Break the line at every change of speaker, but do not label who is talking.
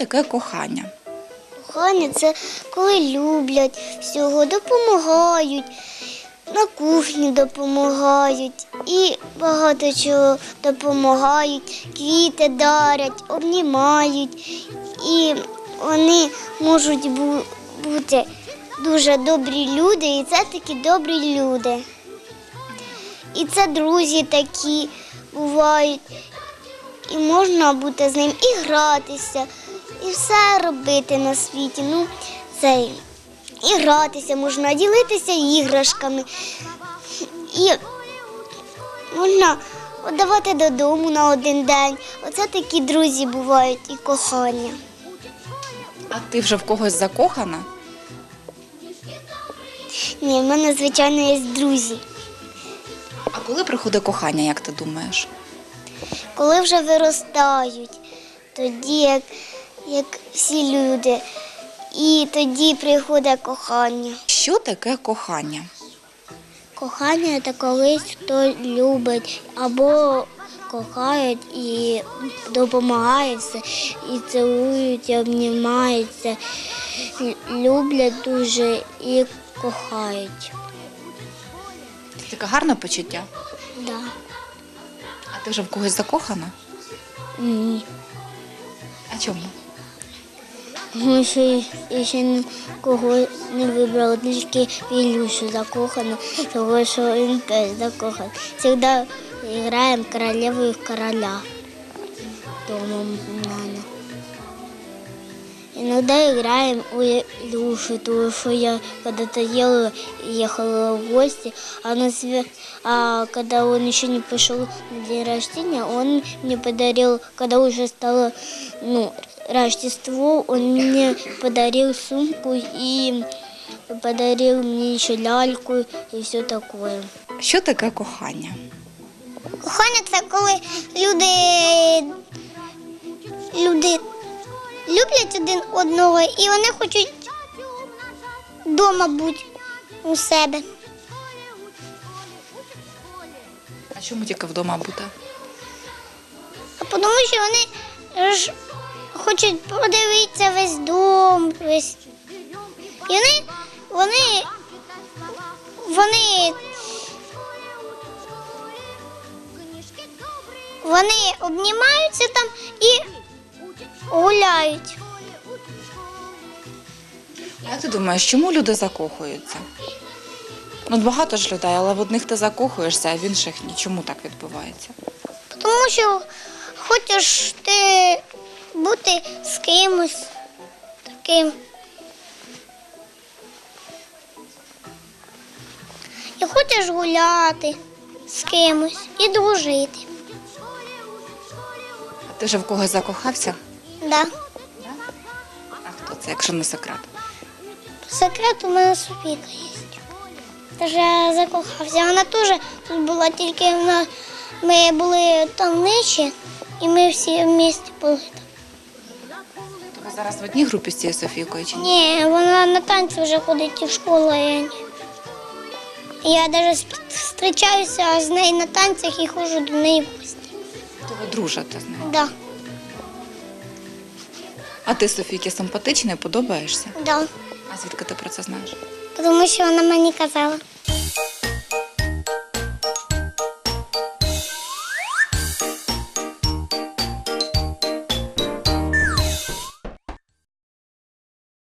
таке кохання?
Кохання – це коли люблять всього, допомагають, на кухні допомагають і багато чого допомагають, квіти дарять, обнімають. І вони можуть бути дуже добрі люди, і це такі добрі люди. І це друзі такі бувають. І можна бути з ним і гратися, і все робити на світі. І гратися можна, ділитися іграшками. І можна віддавати додому на один день. Оце такі друзі бувають і кохання.
А ти вже в когось закохана?
Ні, в мене, звичайно, є друзі.
А коли приходить кохання, як ти думаєш?
Коли вже виростають, тоді, як всі люди, і тоді приходить кохання.
Що таке кохання?
Кохання – це коли хто любить або кохають і допомагаються, і цілують, і обнімаються, люблять дуже і кохають.
Це таке гарне почуття?
Да.
А ти вже в когось закохана?
Ні.
А чому?
Тому що я ще нікого не вибрала, тільки в Ілюшу закохана, тому що він теж закоханий. Завжди граємо королеву і короля дома в мене. Іноді граємо у Ілюшу, тому що я коли-то ехала в гости, а когда он еще не пошел на день рождения, он мне подарил, когда уже стало Рождество, он мне подарил сумку и подарил мне еще ляльку и все такое.
Що таке кохання?
Кохання – це коли люди люблять один одного і вони хочуть вдома бути у себе.
А чому тільки вдома бути?
А тому що вони ж хочуть подивитися весь дом, весь. І вони обнімаються там і гуляють.
Як ти думаєш, чому люди закохуються? Багато ж людей, але в одних ти закохуєшся, а в інших ні. Чому так відбувається?
Тому що хочеш ти бути з кимось таким. І хочеш гуляти з кимось і дружити.
А ти вже в когось закохався?
Да.
А хто це, якщо не секрет?
Секрет у мене Софійка є. Теж я закохався. Вона теж тут була, тільки ми були там нижче, і ми всі в місті були там.
То ви зараз в одній групі з цією Софійкою чи ні?
Ні, вона на танці вже ходить і в школу, а я ні. Я навіть зустрічаюся з нею на танцях і ходжу до неї в гості.
То ви дружите з нею?
Да.
А ти Софійки симпатичний, подобаєшся?
Да.
А звідки ти про це знаєш?
Тому що вона мені казала.